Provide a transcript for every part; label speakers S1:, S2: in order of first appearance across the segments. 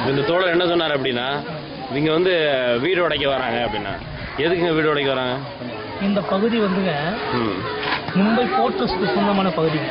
S1: இந்த தோழர் என்ன சொன்னார் அப்படின்னா, இவங்க வந்து வீடு உடைக்க வராங்க அப்படின்னா, எதுக்குங்க வீடு உடைக்க வராங்க?
S2: இந்த பகுதி வந்துங்க மும்பை போர்ட்ரஸ்க்கு சொந்தமான பகுதி.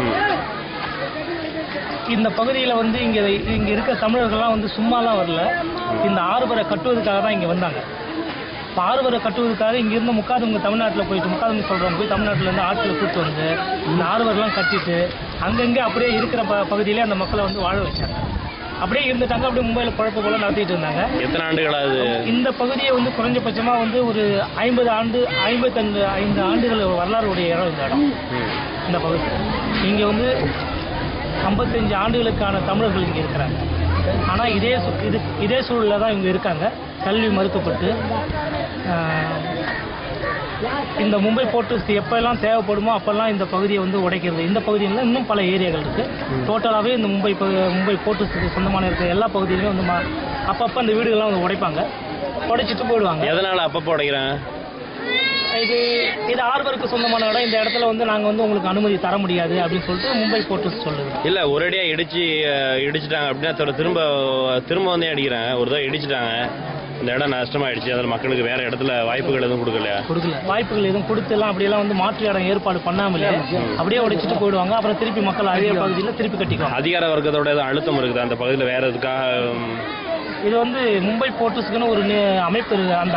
S2: இந்த பகுதியில் வந்து இங்கே இருக்க தமிழர்கள்லாம் வந்து சும்மாலாம் வரல, இந்த ஆறுபரை கட்டுவதற்காக தான் இங்கே வந்தாங்க. இப்போ ஆறுபரை கட்டுவதற்காக இங்கேருந்து முக்காதவங்க தமிழ்நாட்டில் போயிட்டு முக்காதவங்க சொல்கிறவங்க போய் தமிழ்நாட்டிலேருந்து ஆட்களை கூப்பிட்டு வந்து இந்த ஆறுபரெலாம் கட்டிட்டு அங்கங்கே அப்படியே இருக்கிற பகுதியிலே அந்த மக்களை வந்து வாழ வச்சாங்க. அப்படியே இருந்துட்டாங்க. அப்படியே மும்பையில் குழப்ப போல நடத்திட்டு இருந்தாங்க.
S1: எத்தனை ஆண்டுகளாவது இந்த
S2: பகுதியை வந்து குறைஞ்சபட்சமாக வந்து ஒரு 55 ஆண்டுகள் வரலாறுடைய இடம் இந்த இடம். இந்த பகுதி இங்கே வந்து 55 ஆண்டுகளுக்கான தமிழர்கள் இங்கே இருக்கிறாங்க. ஆனால் இதே சூழலில் தான் இவங்க இருக்காங்க. கல்வி மறுக்கப்பட்டு இந்த மும்பை போர்ட்ரஸ்ட் எப்பெல்லாம் தேவைப்படுமோ அப்பெல்லாம் இந்த பகுதியை வந்து உடைக்கிறது. இந்த பகுதியில் இன்னும் பல ஏரியாக்கள் இருக்குது. டோட்டலாகவே இந்த மும்பை போர்ட்ரஸ்ட்டுக்கு சொந்தமான இருக்கிற எல்லா பகுதியிலையும் வந்து அப்பப்போ அந்த வீடுகள்லாம் வந்து உடைப்பாங்க, உடைச்சிட்டு போயிடுவாங்க.
S1: எதனால் அப்பப்போ உடைக்கிறாங்க?
S2: இது ஆர்வருக்கு சொந்தமான இடம். இந்த இடத்துல வந்து நாங்கள் வந்து உங்களுக்கு அனுமதி தர முடியாது அப்படின்னு சொல்லிட்டு மும்பை போர்ட்ரஸ்ட் சொல்லுது.
S1: இல்லை, ஒரேடியாக இடிச்சிட்டாங்க அப்படின்னா திரும்ப வந்து அடிக்கிறாங்க. ஒரு தடவை இடிச்சிட்டாங்க, இந்த இடம் நஷ்டமாயிடுச்சு, அதில் மக்களுக்கு வேற இடத்துல வாய்ப்புகள் எதுவும் கொடுக்கல.
S2: வாய்ப்புகள் எதுவும் கொடுத்துலாம் அப்படியெல்லாம் வந்து மாற்று இடம் ஏற்பாடு பண்ணாமலே அப்படியே உடைச்சிட்டு போயிடுவாங்க. அப்புறம் திருப்பி மக்கள் அதே பகுதியில் திருப்பி கட்டிக்குவாங்க.
S1: அதிகார வர்க்கத்தோட எதுவும் அழுத்தம் இருக்குது அந்த பகுதியில் வேற எதுக்காக?
S2: இது வந்து மும்பை போர்ட்ரஸ்க்குன்னு ஒரு அமைப்பு,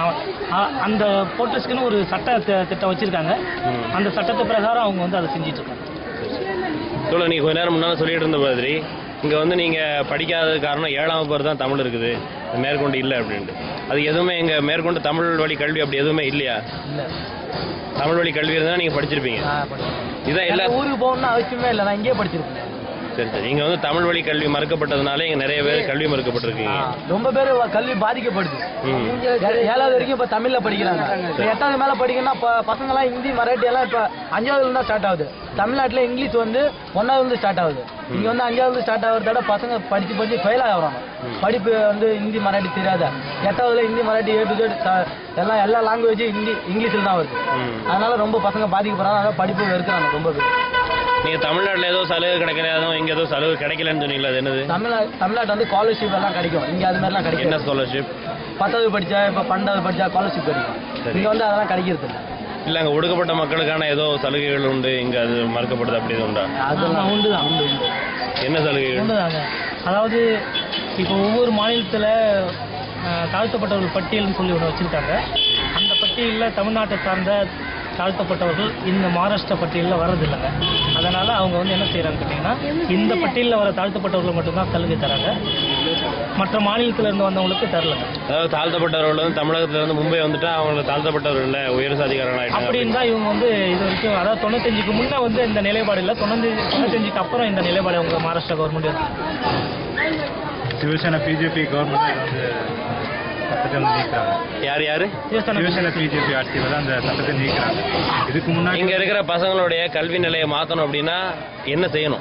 S2: அந்த போர்ட்ரஸ்க்குன்னு ஒரு சட்ட திட்டம் வச்சிருக்காங்க. அந்த சட்டத்தை பிரகாரம் அவங்க வந்து அதை செஞ்சிட்டு இருக்காங்க.
S1: சொல்ல நீங்க கொஞ்ச நேரம் முன்னால சொல்லிட்டு இருந்த மாதிரி இங்கே வந்து நீங்கள் படிக்காத காரணம் 7ஆம் வகுப்பு தான் தமிழ் இருக்குது, மேற்கொண்டு இல்லை அப்படின்ட்டு. அது எதுவுமே இங்கே மேற்கொண்டு தமிழ் வழி கல்வி அப்படி எதுவுமே இல்லையா? தமிழ் வழி கல்வி இருந்தால் நீங்கள் படிச்சிருப்பீங்க. இதான் எல்லா
S2: ஊருக்கு போகணும்னு அவசியமே இல்லை, நான் இங்கேயே படிச்சிருப்பேன்.
S1: சரி சரி. இங்கே வந்து தமிழ் வழி கல்வி மறுக்கப்பட்டதுனால இங்கே நிறைய பேர் கல்வி மறுக்கப்பட்டிருக்கீங்க.
S2: ரொம்ப பேர் கல்வி பாதிக்கப்படுது. 7வது வரைக்கும் இப்போ தமிழில் படிக்கிறாங்க. 8வது மேலே படிக்கணும்னா இப்போ பசங்களாம் ஹிந்தி மராட்டி எல்லாம் இப்போ 5ஆவதுல தான் ஸ்டார்ட் ஆகுது. தமிழ்நாட்டில் இங்கிலீஷ் வந்து 1ஆவதுலேருந்து ஸ்டார்ட் ஆகுது. இங்கே வந்து 5ஆவது ஸ்டார்ட் ஆகிறதோட பசங்க படித்து ஃபெயில் ஆகிறாங்க. படிப்பு வந்து ஹிந்தி மராட்டி தெரியாத 8ஆவதுல ஹிந்தி மராட்டி எல்லா லாங்குவேஜும் இங்கிலீஷில் தான் வருது. அதனால ரொம்ப பசங்க பாதிக்கப்படுறாங்க. அதனால படிப்பு வெறுக்கிறாங்க ரொம்ப பேர்.
S1: நீங்கள் தமிழ்நாட்டில் ஏதோ சலுகை கிடைக்கல, இங்கே ஏதோ சலுகை கிடைக்கலன்னு சொன்னீங்களா? அது என்னது?
S2: தமிழ்நாட்டு வந்து ஸ்காலர்ஷிப் எல்லாம் கிடைக்கும். இங்கே அது மாதிரிலாம் கிடைக்கும்.
S1: என்ன ஸ்காலர்ஷிப்?
S2: 10வது படித்தா இப்போ 12வது படித்தா ஸ்காலர்ஷிப் கிடைக்கும். இங்கே வந்து அதெல்லாம் கிடைக்கிறது இல்லை.
S1: இல்லை, அங்கே ஒடுக்கப்பட்ட மக்களுக்கான ஏதோ சலுகைகள் உண்டு, இங்கே அது மறுக்கப்படுது அப்படி எதுவும் உண்டா?
S2: அதெல்லாம் உண்டு தான்.
S1: என்ன சலுகைகள்
S2: உண்டுதாங்க? அதாவது இப்போ ஒவ்வொரு மாநிலத்தில் தாழ்த்தப்பட்டவர்கள் பட்டியல்னு சொல்லி ஒன்று வச்சுருக்காங்க. அந்த பட்டியலில் தமிழ்நாட்டை சார்ந்த தாழ்த்தப்பட்டவர்கள் இந்த மகாராஷ்டிரா பட்டியலில் வர்றதில்லைங்க. அதனால் அவங்க வந்து என்ன செய்கிறாங்க கேட்டிங்கன்னா, இந்த பட்டியலில் வர தாழ்த்தப்பட்டவர்கள் மட்டும்தான் சலுகை தராங்க, மற்ற மாநிலத்தில் இருந்து வந்தவங்களுக்கு தரலங்க.
S1: அதாவது தாழ்த்தப்பட்டவர்கள் வந்து தமிழகத்தில் இருந்து மும்பை வந்துட்டா அவங்களுக்கு தாழ்த்தப்பட்டவர்கள் இல்லை, உயர் சாதிகாரர்கள்
S2: அப்படின்னு தான் இவங்க வந்து இது வரைக்கும், அதாவது 95க்கு முன்னே வந்து இந்த நிலைப்பாடு இல்லை, 95க்கு அப்புறம் இந்த நிலைப்பாடு அவங்க மகாராஷ்டிரா கவர்மெண்ட் இருக்கு.
S3: சிவசேனா பிஜேபி கவர்மெண்ட் வந்து சட்டத்தை நீக்கிறாங்க.
S1: யார்
S3: சிவசேனா பிஜேபி ஆட்சியில் தான் அந்த சட்டத்தை நீக்கிறாங்க. இதுக்கு முன்னாடி
S1: இங்கே இருக்கிற பசங்களுடைய கல்வி நிலையை மாற்றணும் அப்படின்னா என்ன செய்யணும்?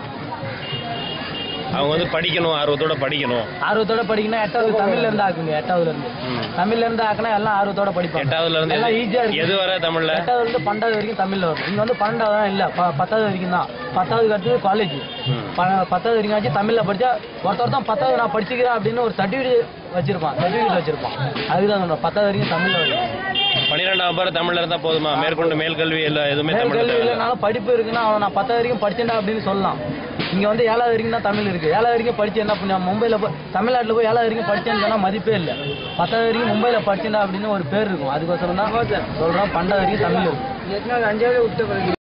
S1: அவங்க வந்து படிக்கணும், ஆர்வத்தோட படிக்கணும்.
S2: ஆர்வத்தோட படிக்கணும். 8வது தமிழ்ல இருந்து ஆக்குங்க. 8ஆவதுல இருந்து தமிழ்ல இருந்து ஆக்கினா எல்லாம் ஆர்வத்தோட படிப்பாங்க.
S1: 8ஆவதுல இருந்து
S2: எல்லாம் ஈஸியா இருக்கு.
S1: எது வர தமிழ்ல? 8ஆவதுல
S2: இருந்து 12வது வரைக்கும் தமிழ்ல வரும். இங்க வந்து 12வது தான் இல்ல, 10வது வரைக்கும் தான். 10வது அடுத்து காலேஜ். 10வது வரைக்கும் ஆச்சு தமிழ்ல படிச்சா ஒருத்தர் 10வது நான் படிச்சுக்கிறேன் அப்படின்னு ஒரு சர்டிஃபிகேட் வச்சிருப்பான். அதுதான் சொல்றேன், 10வது வரைக்கும் தமிழ்ல வரும்.
S1: 12ஆம் வகுப்பு தமிழ்ல இருந்தா போதுமா? மேற்கொண்டு மேல் கல்வி இல்லை, எதுவுமே
S2: கல்வி இல்லைனாலும் படிப்பு இருக்குன்னா அவன் நான் 10வது வரைக்கும் படிச்சேன்டா அப்படின்னு சொல்லலாம். இங்க வந்து 7வது வரைக்கும் தான் தமிழ் இருக்கு. 7வது வரைக்கும் படிச்சு என்ன பண்ண, மும்பைல போய் தமிழ்நாட்டில் போய் 7வது வரைக்கும் படிச்சேன்னு சொன்னா மதிப்பே இல்லை. 10வது வரைக்கும் மும்பைல படிச்சேன்டா அப்படின்னு ஒரு பேர் இருக்கும். அதுக்கோசரம் தான் சொல்றோம் 12வது வரைக்கும் தமிழ் இருக்கு. 5வது விட்டு